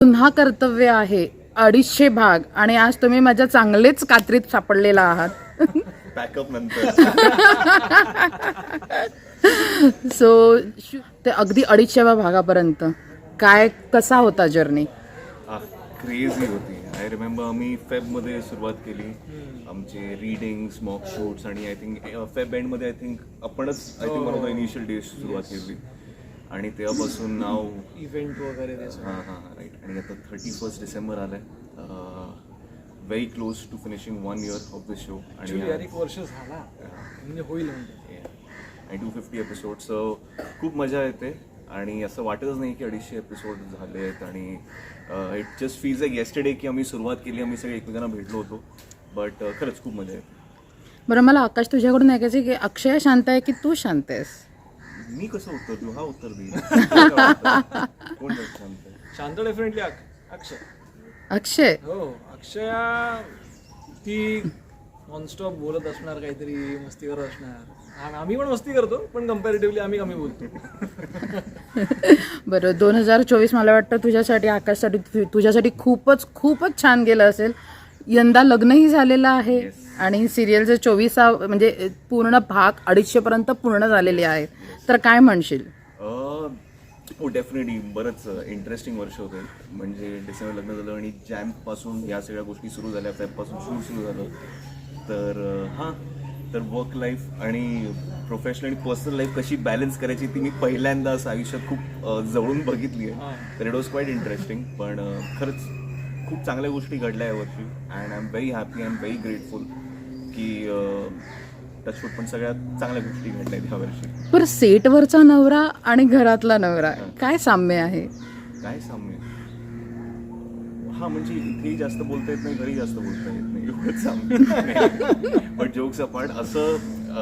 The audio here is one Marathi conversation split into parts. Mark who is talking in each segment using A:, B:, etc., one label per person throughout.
A: पुन्हा कर्तव्य आहे 250 भाग आणि आज तुम्ही माझ्या चांगलेच कात्रीत सापडलेला आहात.
B: बॅकअप नंतर
A: सो ते अगदी 250व्या भागापर्यंत काय कसा होता जर्नी?
B: क्रेझी होती. आय रिमेंबर आम्ही फेबमध्ये सुरुवात केली आमचे रीडिंग्स मॉक शूट्स आणि आय थिंक फेब एंडमध्ये आय थिंक आपणच आय थिंक मला इनिशियल डेज सुरुवात केली आणि तेव्हापासून नाव
C: इव्हेंट वगैरे
B: हां राईट. आणि आता 31 डिसेंबर आलाय. Very close to finishing 1 year of the show आणि
C: यार 1 वर्ष झाला म्हणजे होईल म्हणजे
B: आणि 250 एपिसोड. सो खूप मजा येते आणि असं वाटतच नाही की 250 एपिसोड झाले आहेत आणि it just feels like yesterday की आम्ही सुरुवात केली, आम्ही सगळे एकमेकांना भेटलो होतो. बट खरंच खूप मजा येते.
A: बरं, मला आकाश तुझ्याकडून ऐकायचं की अक्षय शांत आहे की तू शांत आहेस?
B: मी कसं उत्तर देऊ? हा उत्तर देईल. कोण जास्त शांत आहे?
C: शांत डेफिनेटली अक्षय.
A: अक्षय
C: हो, अक्षया ती नॉनस्टॉप बोलत असणार, काहीतरी मस्ती करत असणार. आम्ही पण मस्ती करतो पण कम्पॅरेटिव्हली आम्ही कमी बोलतो.
A: बरं, 2024 मला वाटतं तुझ्यासाठी आकाशसाठी तुझ्यासाठी खूपच खूपच छान गेलं असेल. यंदा लग्नही झालेलं आहे आणि सिरियलचे 24 म्हणजे पूर्ण भाग 250पर्यंत पूर्ण झालेले आहेत. तर काय म्हणशील?
B: हो डेफिनेटली बरंच इंटरेस्टिंग वर्ष होतं. म्हणजे डिसेंबर लग्न झालं आणि जॅनपासून या सगळ्या गोष्टी सुरू झाल्या, फेबपासून शूट सुरू झालं. तर तर वर्क लाईफ आणि प्रोफेशनल आणि पर्सनल लाईफ कशी बॅलन्स करायची ती मी पहिल्यांदा असं आयुष्यात खूप जवळून बघितली आहे. तर इट वॉज क्वाईट इंटरेस्टिंग. पण खरंच खूप चांगल्या गोष्टी घडल्या यावरती and I am very happy, I am very grateful की टचवूड पण सगळ्यात चांगल्या गोष्टी घडल्या ह्या वर्षी.
A: बरं, सेटवरचा नवरा आणि घरातला नवरा काय साम्य आहे?
B: काय साम्य? हा म्हणजे इथेही जास्त बोलता येत नाही, घरी जास्त बोलता येत नाही, एवढंच साम्य. बट जोक्स अपार्ट असं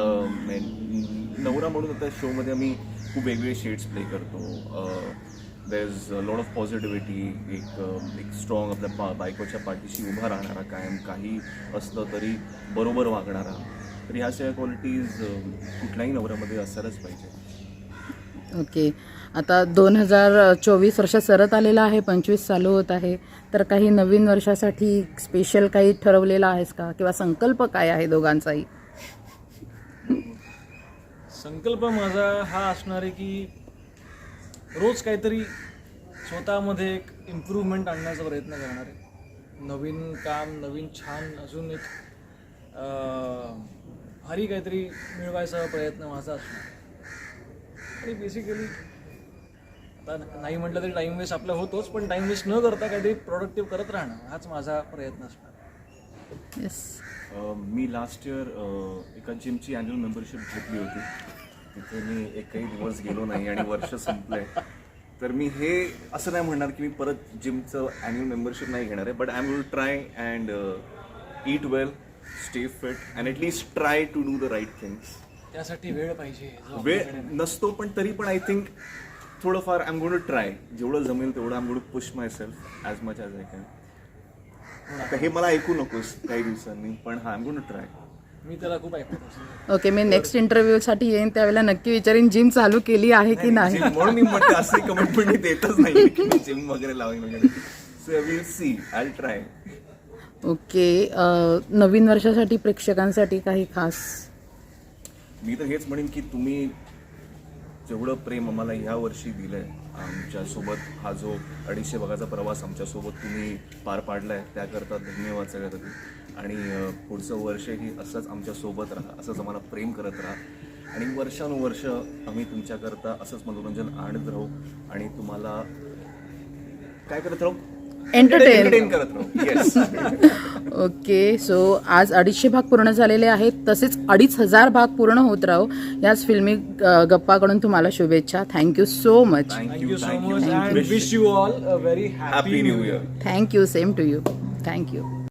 B: नवरा म्हणून आता शोमध्ये आम्ही खूप वेगवेगळे शेड्स प्ले करतो. There is lot of positivity. एक स्ट्रॉंग आपल्या बायकोच्या पाठीशी उभा राहणारा, कायम काही असलं तरी बरोबर वागणारा. तर ह्या सगळ्या क्वालिटीज कुठल्याही नवऱ्यामध्ये असायलाच पाहिजे.
A: ओके, आता 2024 वर्ष सरत आलेलं आहे, 25 चालू होत आहे. तर काही नवीन वर्षासाठी स्पेशल काही ठरवलेलं आहेस का किंवा संकल्प काय आहे दोघांचाही?
C: संकल्प माझा हा असणार आहे की रोज काहीतरी स्वतःमध्ये एक इम्प्रूव्हमेंट आणण्याचा प्रयत्न करणार आहे. नवीन काम, नवीन छान अजून एक भारी काहीतरी मिळवायचा प्रयत्न माझा असणार. आणि बेसिकली आता नाही म्हटलं तरी टाईम वेस्ट आपला होतोच, पण टाईम वेस्ट न करता काहीतरी प्रोडक्टिव्ह करत राहणं हाच माझा प्रयत्न असणार.
A: येस.
B: मी लास्ट इयर एका जिमची ॲन्युअल मेंबरशिप घेतली होती. तिथे मी एकही दिवस गेलो नाही आणि वर्ष संपलंय. तर मी हे असं नाही म्हणणार की मी परत जिमचं ॲन्युअल मेंबरशिप नाही घेणार आहे. But I will try and eat well, stay fit and at least try to do the right things.
C: त्यासाठी वेळ पाहिजे.
B: वेळ नसतो पण तरी पण आय थिंक थोडंफार I am going to try. जेवढं जमेल तेवढं I am going to push myself as much as I can. आता हे मला ऐकू नकोस काही दिवसांनी, पण हा I am going to try.
C: मी त्याला खूप ऐकत असतो.
A: ओके, मी नेक्स्ट इंटरव्ह्यूसाठी येईन त्यावेळेला नक्की विचारीन जिम चालू केली आहे की नाही.
B: म्हणून मी म्हणते असे कमेंटमेंट मी देतच नाही की मी जिम वगैरे लावेन वगैरे. So will see, I will try.
A: Okay, नवीन वर्षासाठी प्रेक्षकांसाठी काही खास?
B: मी तर हेच म्हणेन की तुम्ही जेवढं प्रेम आम्हाला ह्या वर्षी दिलंय, आमच्यासोबत हा जो 250 भागाचा प्रवास आमच्यासोबत तुम्ही पार पाडलाय त्याकरता धन्यवाद सगळ्यासाठी. आणि पुढचं वर्षही असंच आमच्यासोबत राहा, असंच आम्हाला प्रेम करत राहा आणि वर्षानुवर्ष आम्ही तुमच्याकरता असंच मनोरंजन आणत राहू आणि तुम्हाला काय करत राहू? एंटरटेन करत राहू. येस.
A: ओके, सो आज 250 भाग पूर्ण झालेले आहेत, तसेच 2500 भाग पूर्ण होत राहू. याच फिल्मी गप्पाकडून तुम्हाला शुभेच्छा. Thank you so much.
C: Thank you so much and wish you all a very happy new year.
A: Thank you, same to you. Thank you.